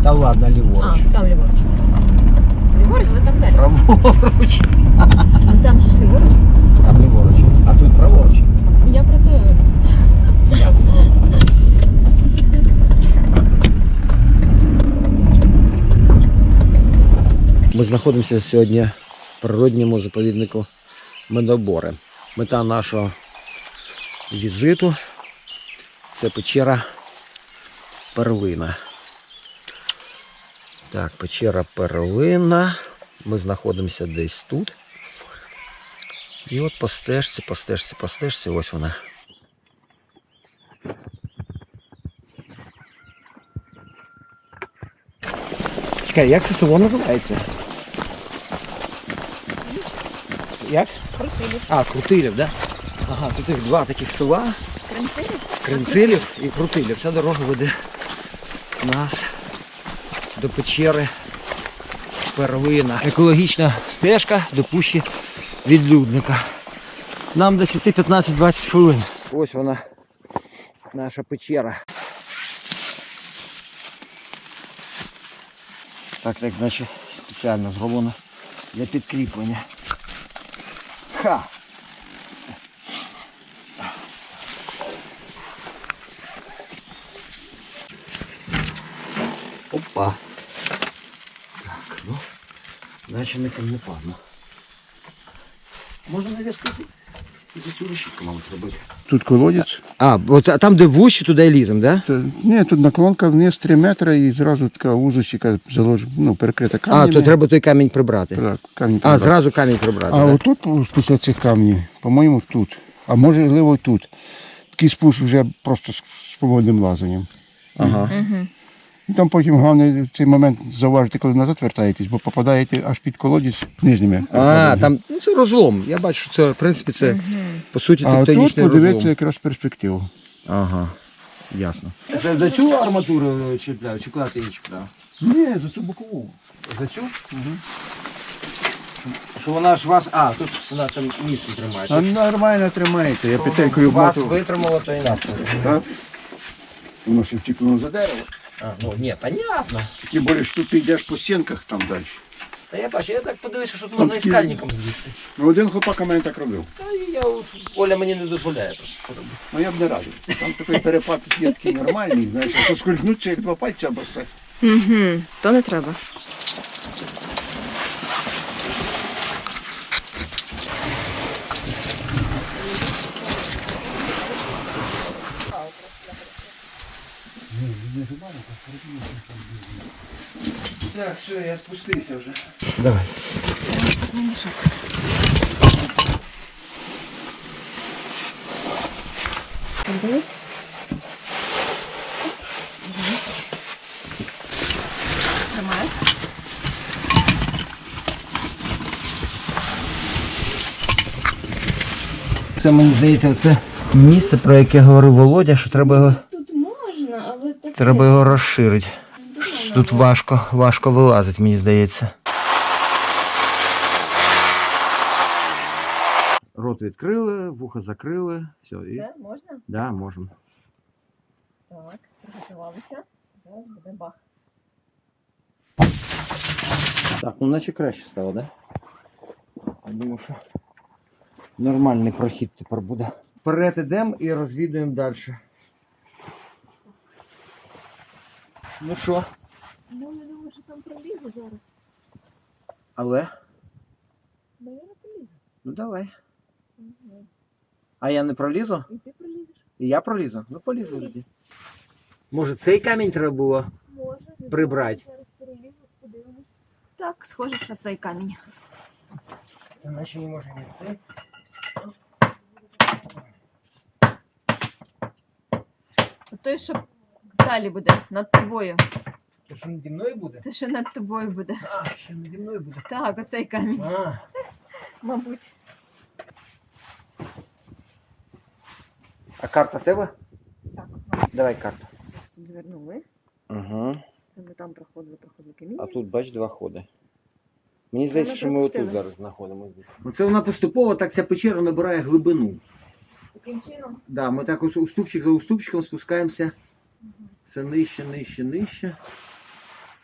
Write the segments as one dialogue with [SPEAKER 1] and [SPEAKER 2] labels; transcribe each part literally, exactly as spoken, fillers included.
[SPEAKER 1] Та ладно, ліворуч.
[SPEAKER 2] А, там ліворуч. Ліворуч, але там далі.
[SPEAKER 1] Праворуч.
[SPEAKER 2] Ну там же ж ліворуч.
[SPEAKER 1] Там ліворуч. А тут праворуч.
[SPEAKER 2] Я про те.
[SPEAKER 1] Ясно. Ми знаходимося сьогодні в природньому заповіднику Медобори. Мета нашого візиту – це печера Перлина. Так, печера Перлина. Ми знаходимося десь тут. І от по стежці, по стежці, по стежці, ось вона. Чекай, як це село називається? Як?
[SPEAKER 2] Крутилів.
[SPEAKER 1] А, Крутилів, да? Ага, тут їх два таких села.
[SPEAKER 2] Кринцилів?
[SPEAKER 1] Кринцилів і Крутилів. Ця дорога веде нас до печери Перлина. Екологічна стежка до пущі відлюдника. Нам десь йти п'ятнадцять-двадцять хвилин. Ось вона, наша печера. Так, так, наче спеціально зроблено для підкріплення. Ха! Опа! Так, ну, наче не камнепадно. Можна нав'язку і за цю решітку, мабуть, робити.
[SPEAKER 3] Тут колодець.
[SPEAKER 1] А, от а там, де вущі, туди і лізем, да?
[SPEAKER 3] Та, ні, тут наклонка вниз три метри і зразу така вузочка залож... ну, перекрита
[SPEAKER 1] А,
[SPEAKER 3] камнями.
[SPEAKER 1] то треба той камінь прибрати.
[SPEAKER 3] Так, камінь
[SPEAKER 1] А,
[SPEAKER 3] прибрати.
[SPEAKER 1] зразу камінь прибрати,
[SPEAKER 3] А
[SPEAKER 1] да?
[SPEAKER 3] отут, після цих камнів, по-моєму, тут. А можливо тут. Такий спуск вже просто з свободним лазанням.
[SPEAKER 1] Ага.
[SPEAKER 2] Угу.
[SPEAKER 3] І там потім головне в цей момент зауважити, коли назад вертаєтесь, бо попадаєте аж під колодязь нижніми.
[SPEAKER 1] А, там ну, це розлом. Я бачу, що це, в принципі, це, по суті,
[SPEAKER 3] А тут
[SPEAKER 1] тектонічний
[SPEAKER 3] подивитися
[SPEAKER 1] розлом.
[SPEAKER 3] якраз перспективу.
[SPEAKER 1] Ага, ясно. Це за цю арматуру чіпляю, чи куди ти її чіпляв?
[SPEAKER 3] Ні, за цю бокову.
[SPEAKER 1] За цю? Угу. Що вона ж вас... А, тут вона там місце
[SPEAKER 3] А
[SPEAKER 1] тримається.
[SPEAKER 3] нормально тримаєте, я
[SPEAKER 1] Що
[SPEAKER 3] петелькою
[SPEAKER 1] вас
[SPEAKER 3] вмотав.
[SPEAKER 1] витримало, то і нас.
[SPEAKER 3] Так? Воно ще втікнуло за дерево.
[SPEAKER 1] А, ну, ні, понятно.
[SPEAKER 3] Тим більше, що ти йдеш по стінках там далі.
[SPEAKER 1] Та я бачу, я так подивився, що тут
[SPEAKER 3] Там
[SPEAKER 1] можна і
[SPEAKER 3] ті-
[SPEAKER 1] скальником злізти.
[SPEAKER 3] Ну, один хлопак у мене так робив.
[SPEAKER 1] Та і я, от, Оля мені не дозволяє просто це робити.
[SPEAKER 3] Ну я б не радив. Там такий перепад є такий нормальний, знаєш, а що скользнуться як два пальця або все.
[SPEAKER 2] Угу. То не треба.
[SPEAKER 1] Так, все, я спустився вже. Давай.
[SPEAKER 2] Туди. Тримай.
[SPEAKER 1] Це, мені здається, це місце, про яке говорив Володя, що треба його,
[SPEAKER 2] Тут можна, але так.
[SPEAKER 1] треба його розширити. Тут важко, важко вилазить, мені здається. Рот відкрили, вуха закрили. Все, і...
[SPEAKER 2] Це можна?
[SPEAKER 1] Да, можемо.
[SPEAKER 2] Так, приготувалися. Зараз буде бах.
[SPEAKER 1] Так, ну наче краще стало, да? Я думаю, що нормальний прохід тепер буде. Вперед ідемо і розвідуємо далі. Ну що?
[SPEAKER 2] Ну, я думаю, що там пролізу зараз.
[SPEAKER 1] Але?
[SPEAKER 2] Ну, я не пролізу.
[SPEAKER 1] Ну давай.
[SPEAKER 2] Угу.
[SPEAKER 1] А я не пролізу?
[SPEAKER 2] І ти пролізеш?
[SPEAKER 1] І я пролізу? Ну полізу
[SPEAKER 2] Пролізь.
[SPEAKER 1] тоді. Може цей камінь треба було?
[SPEAKER 2] Може. не
[SPEAKER 1] Прибрать.
[SPEAKER 2] знаю, Зараз перелізу, подивимось. Так, схоже на цей камінь.
[SPEAKER 1] Іначе не може не цей.
[SPEAKER 2] Той, що далі буде, над тобою.
[SPEAKER 1] То що наді мною буде?
[SPEAKER 2] Те, що над тобою буде.
[SPEAKER 1] А, ще наді мною буде.
[SPEAKER 2] Так, оцей камінь,
[SPEAKER 1] А,
[SPEAKER 2] мабуть.
[SPEAKER 1] а карта в тебе?
[SPEAKER 2] Так,
[SPEAKER 1] Давай карту.
[SPEAKER 2] тут звернули.
[SPEAKER 1] Угу.
[SPEAKER 2] Це ми там проходили, проходили каміння.
[SPEAKER 1] А тут, бач, два ходи. Мені
[SPEAKER 2] Це
[SPEAKER 1] здається,
[SPEAKER 2] ми
[SPEAKER 1] що ми
[SPEAKER 2] пропустили.
[SPEAKER 1] отут зараз знаходимося. Оце вона поступово так ця печера набирає глибину.
[SPEAKER 2] Таким чином.
[SPEAKER 1] Да, ми так ось уступчик за уступчиком спускаємося все нижче, нижче, нижче.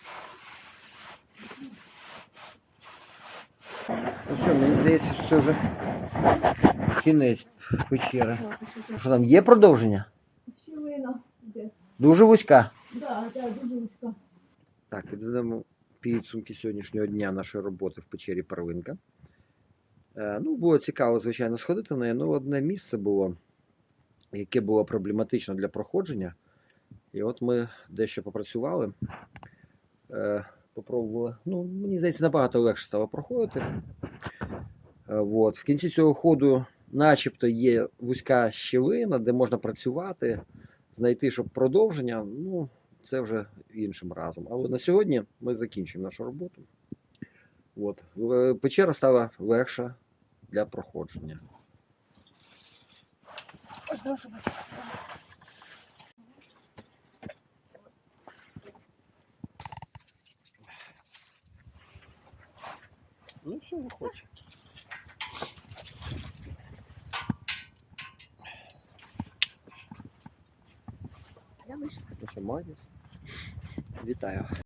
[SPEAKER 1] Ну все, мені здається, що це вже кінець печери. Що там, є продовження?
[SPEAKER 2] Щілина. Де?
[SPEAKER 1] Дуже вузька.
[SPEAKER 2] Да, да, дуже вузька.
[SPEAKER 1] Так, підведемо підсумки сьогоднішнього дня нашої роботи в печері Первинка. Е, ну, було цікаво, звичайно, сходити на неї. Ну, одне місце було, яке було проблематично для проходження. І от ми дещо попрацювали, е, попробували. Ну, мені здається, набагато легше стало проходити. Е, от. В кінці цього ходу начебто є вузька щілина, де можна працювати, знайти, щоб продовження. Ну, це вже іншим разом. Але на сьогодні ми закінчуємо нашу роботу. От. Е, Печера стала легша для проходження. Ну все, виходь.
[SPEAKER 2] Я вийшла.
[SPEAKER 1] Ну що, молодець. Вітаю.